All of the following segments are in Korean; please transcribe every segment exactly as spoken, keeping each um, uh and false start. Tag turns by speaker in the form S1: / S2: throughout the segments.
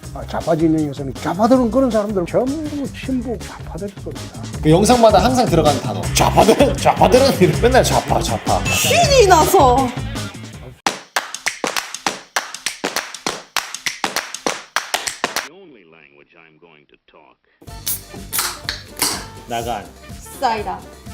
S1: 아, 좌파 진영에서는 좌파들은 그런 사람들 전부 친북 좌파들일 겁니다.
S2: 그 영상마다 항상 들어가는 단어. 좌파들은 좌파들은 이렇게 맨날 좌파 좌파.
S3: 신이 나서.
S2: 나간.
S3: 싸이다.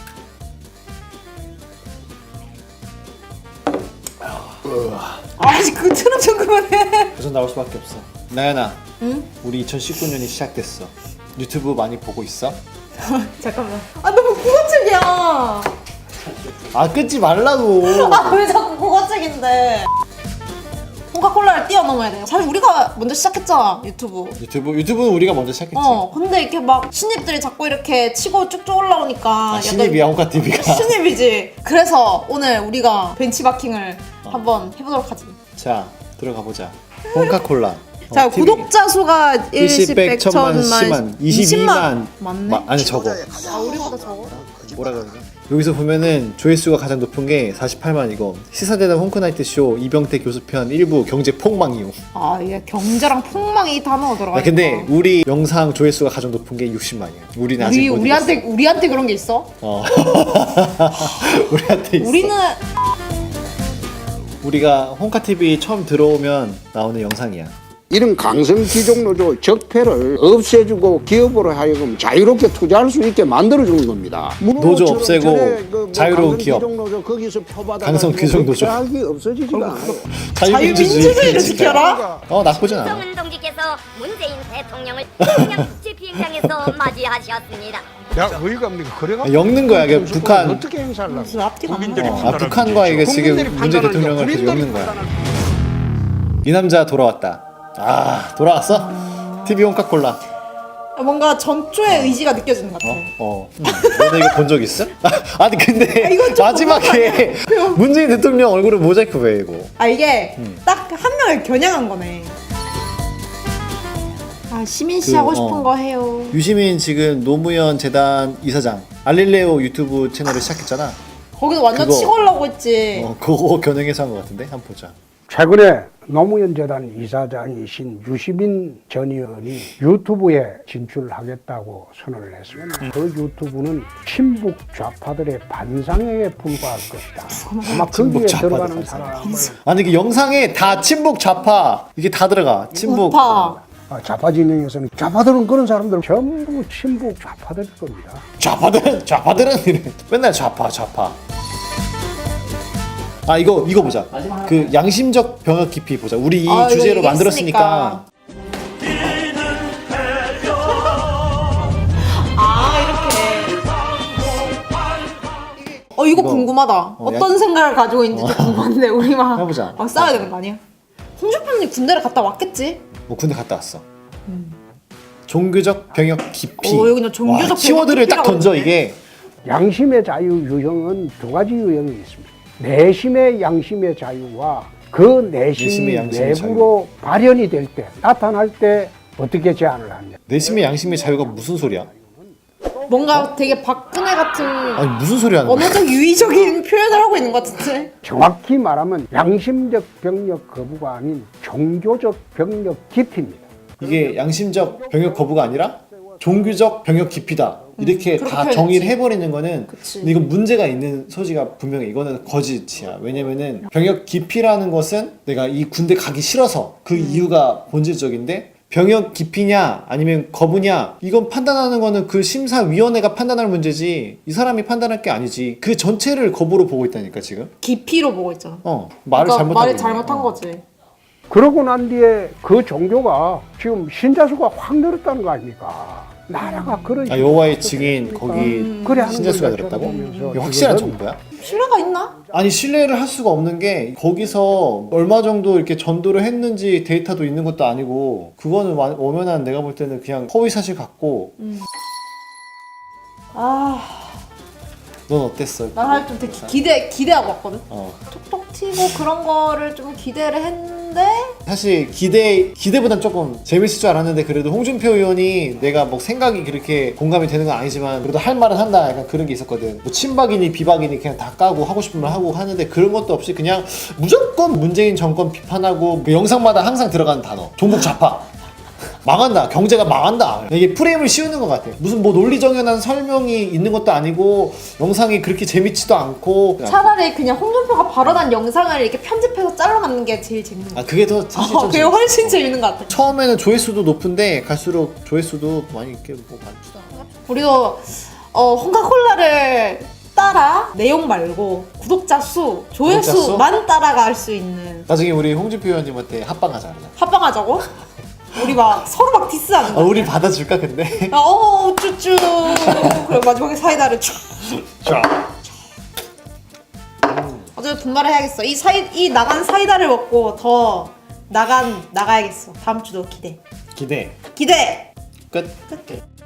S3: 아씨 그 트럼 좀 그만해.
S2: 우선 나올 수밖에 없어. 나연아.
S3: 응?
S2: 우리 이천십구 년이 시작됐어. 유튜브 많이 보고 있어?
S3: 잠깐만. 아 너무 국어책이야.
S2: 아 끊지 말라고.
S3: 아 왜 자꾸 국어책인데? 코카콜라를 뛰어넘어야 돼요. 사실 우리가 먼저 시작했잖아 유튜브.
S2: 유튜브 유튜브는 우리가 먼저 시작했지.
S3: 어 근데 이렇게 막 신입들이 자꾸 이렇게 치고 쭉쭉 올라오니까
S2: 아,
S3: 약간
S2: 신입이야 홍카티비가.
S3: 신입이지. 그래서 오늘 우리가 벤치마킹을
S2: 어.
S3: 한번 해보도록 하지.
S2: 자 들어가 보자. 홍카콜라.
S3: 자
S2: 어, 티비.
S3: 구독자 수가
S2: 일십, 백, 천만, 십만, 이십이만.
S3: 맞네.
S2: 마, 아니 적어.
S3: 아 우리보다 적어?
S2: 뭐라 그러냐? 여기서 보면은 조회수가 가장 높은 게 사십팔만이고 시사대담 홍크나이트 쇼 이병태 교수편 일부 경제 폭망 이후.
S3: 아 이게 경제랑 폭망이 단어가 들어가.
S2: 아, 근데 우리 영상 조회수가 가장 높은 게 육십만이야. 우리는 아직
S3: 우리
S2: 못
S3: 우리한테
S2: 이겼어.
S3: 우리한테 그런 게 있어?
S2: 어. 우리한테 있어.
S3: 우리는
S2: 우리가 홍카티비 처음 들어오면 나오는 영상이야.
S1: 이런 강성 기종노조 적폐를 없애주고 기업으로 하여금 자유롭게 투자할 수 있게 만들어주는 겁니다.
S2: 노조 없애고
S1: 그
S2: 자유로운 기업.
S1: 기종노조 거기서 표받아
S2: 강성 기종노조.
S1: 이 없어지지가 않아요.
S3: 자유민주주의를 지켜라.
S2: 어 나쁘진 않아.
S4: 김정은 동지께서 문재인 대통령을 평양 국제 비행장에서 맞이하셨습니다.
S1: 야, 어이가 없니까? 그래가
S2: 엮는 거야. 이게 북한.
S1: 어떻게 행사를 하려고?
S3: 무슨 앞뒤가 안
S2: 어,
S3: 나와.
S2: 아, 북한과 이게 지금
S1: 국민들이
S2: 문재인
S1: 판단을
S2: 대통령을 계속
S1: 국민들이
S2: 엮는 거야. 이 남자 돌아왔다. 아 돌아왔어? 티비 홍카콜라.
S3: 뭔가 전초의 의지가 느껴지는 것 같아.
S2: 어. 음. 너네 이거 본 적 있어? 아니 근데
S3: 이건 좀
S2: 마지막에 문재인 대통령 얼굴을 모자이크 왜 이거?
S3: 아 이게
S2: 음.
S3: 딱 한 명을 겨냥한 거네. 아 시민 씨
S2: 그,
S3: 하고
S2: 어.
S3: 싶은 거 해요.
S2: 유시민 지금 노무현 재단 이사장 알릴레오 유튜브 채널을 시작했잖아.
S3: 거기서 완전
S2: 그거.
S3: 치고 올라고 했지.
S2: 어 그거 겨냥해서 한 것 같은데 한번 보자.
S1: 최근에 노무현 재단 이사장이신 유시민 전 의원이 유튜브에 진출하겠다고 선언을 했습니다. 그 유튜브는 친북 좌파들의 반상회에 불과할 것이다. 아마
S2: 친북
S1: 거기에
S2: 좌파들
S1: 들어가는
S2: 반상회.
S1: 사람을
S2: 아니 그 영상에 다 친북 좌파 이게 다 들어가. 친북.
S3: 우파.
S1: 아, 좌파 진영에서는 좌파들은 그런 사람들 전부 친북 좌파들일 겁니다.
S2: 좌파들은 좌파들은 이래. 맨날 좌파 좌파. 아 이거 이거 보자. 그 양심적 병역 깊이 보자. 우리 이
S3: 아, 이거
S2: 주제로
S3: 이게
S2: 만들었으니까.
S3: 아 이렇게. 어 이거,
S2: 이거,
S3: 궁금하다.
S2: 어,
S3: 어, 떤 생각을 가지고 있는지 좀 궁금한데 우리만
S2: 해보자.
S3: 막 싸워야 되는 거 아니야? 홍준표님 군대를 갔다 왔겠지?
S2: 뭐 군대 갔다 왔어. 종교적 병역 깊이.
S3: 어, 여기 그냥 종교적
S2: 와, 키워드를 딱
S3: 병역
S2: 던져
S3: 깊이라고
S2: 이게.
S1: 양심의 자유 유형은 두 가지 유형이 있습니다. 내심의 양심의 자유와 그 내심이
S2: 내심의 양심의
S1: 내부로 발현이 될 때, 나타날 때 어떻게 제한을 하냐.
S2: 내심의 양심의 자유가 무슨 소리야?
S3: 뭔가 되게 박근혜 같은
S2: 아니 무슨 소리 하는 거야?
S3: 언어적 유의적인 표현을 하고 있는 것 같은데.
S1: 정확히 말하면 양심적 병력 거부가 아닌 종교적 병력 깊이입니다.
S2: 이게 양심적 병역 거부가 아니라 종교적 병역 깊이다. 이렇게
S3: 그렇게
S2: 다
S3: 해야지.
S2: 정의를 해버리는 거는
S3: 그치.
S2: 근데 이건 문제가 있는 소지가 분명히 이거는 거짓이야. 왜냐면은 병역 깊이라는 것은 내가 이 군대 가기 싫어서 그
S3: 음.
S2: 이유가 본질적인데 병역 깊이냐 아니면 거부냐 이건 판단하는 거는 그 심사위원회가 판단할 문제지 이 사람이 판단할 게 아니지. 그 전체를 거부로 보고 있다니까 지금.
S3: 깊이로 보고 있잖아.
S2: 어 말을
S3: 그러니까
S2: 잘못한
S3: 말을
S2: 거지.
S3: 잘못한
S2: 어.
S3: 거지.
S1: 그러고 난 뒤에 그 종교가 지금 신자 수가 확 늘었다는 거 아닙니까? 나라가 그런
S2: 아 여호와의 증인 거기
S3: 음.
S1: 그래 하는
S2: 신자 수가
S1: 걸
S2: 늘었다고?
S1: 쳐다보면서
S2: 이게 확실한
S1: 이거는
S2: 정보야?
S3: 신뢰가 있나?
S2: 아니 신뢰를 할 수가 없는 게 거기서 얼마 정도 이렇게 전도를 했는지 데이터도 있는 것도 아니고 그거는 와- 엄연한 내가 볼 때는 그냥 허위 사실 같고.
S3: 아,
S2: 넌 어땠어?
S3: 난 사실 좀 되게 기대 기대하고 왔거든.
S2: 어
S3: 톡톡 튀고 그런 거를 좀 기대를 했는데
S2: 사실 기대 기대보단 조금 재밌을 줄 알았는데 그래도 홍준표 의원이 내가 뭐 생각이 그렇게 공감이 되는 건 아니지만 그래도 할 말은 한다 약간 그런 게 있었거든. 뭐 친박이니 비박이니 그냥 다 까고 하고 싶은 말 하고 하는데 그런 것도 없이 그냥 무조건 문재인 정권 비판하고 그 영상마다 항상 들어가는 단어 종북 좌파. 망한다, 경제가 망한다. 이게 프레임을 씌우는 것 같아. 무슨 뭐 논리정연한 설명이 있는 것도 아니고 영상이 그렇게 재밌지도 않고.
S3: 차라리 그냥 홍준표가 발언한 영상을 이렇게 편집해서 잘라놓는 게 제일 재밌는 거
S2: 아 그게 더 사실
S3: 어,
S2: 좀
S3: 그게
S2: 재밌어.
S3: 훨씬 재밌는 것 같아.
S2: 처음에는 조회수도 높은데 갈수록 조회수도 많이 이렇게 뭐 많지도 않아.
S3: 우리도 어, 홍카콜라를 따라 내용 말고 구독자 수,
S2: 구독자
S3: 조회수만 따라갈 수 있는
S2: 나중에 우리 홍준표 의원님한테 합방하자 그러자.
S3: 합방하자고? 우리 막 서로 막 디스하는
S2: 아,
S3: 거야.
S2: 우리 받아줄까 근데?
S3: 아, 어, 쭈쭈. 그리고 마지막에 사이다를 쫙.
S2: 자.
S3: 어차피 분발을 해야겠어. 이 사이 이 나간 사이다를 먹고 더 나간 나가야겠어. 다음 주도 기대.
S2: 기대.
S3: 기대.
S2: 끝.
S3: 끝.